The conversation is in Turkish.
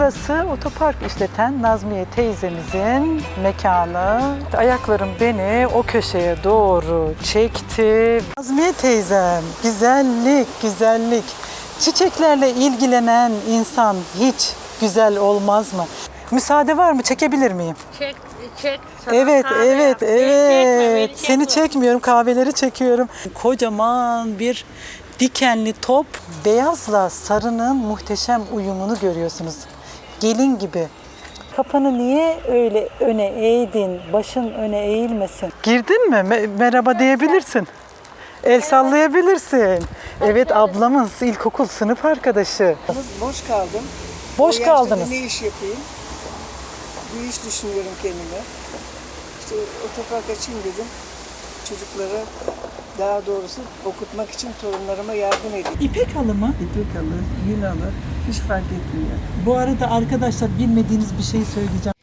Burası otopark işleten Nazmiye teyzemizin mekanı. Ayaklarım beni o köşeye doğru çekti. Nazmiye teyzem, güzellik, güzellik. Çiçeklerle ilgilenen insan hiç güzel olmaz mı? Müsaade var mı? Çekebilir miyim? Çek, çek. Sana Evet, kahve evet, yap. Beni çekme, beni evet. Seni çekme. çekmiyorum, kahveleri çekiyorum. Kocaman bir dikenli top. Beyazla sarının muhteşem uyumunu görüyorsunuz. Gelin gibi. Kafanı niye öyle öne eğdin? Başın öne eğilmesin. Girdin mi? Merhaba diyebilirsin. El sallayabilirsin. Evet, ablamız ilkokul sınıf arkadaşı. Boş kaldım. Boş O yaşta kaldınız. Ne iş yapayım? Bir iş düşünüyorum kendime. İşte otopark açayım dedim. Çocuklara, daha doğrusu okutmak için torunlarıma yardım edeyim. İpek halı mı? İpek alır, yün alır, hiç fark etmiyor. Bu arada arkadaşlar bilmediğiniz bir şey söyleyeceğim.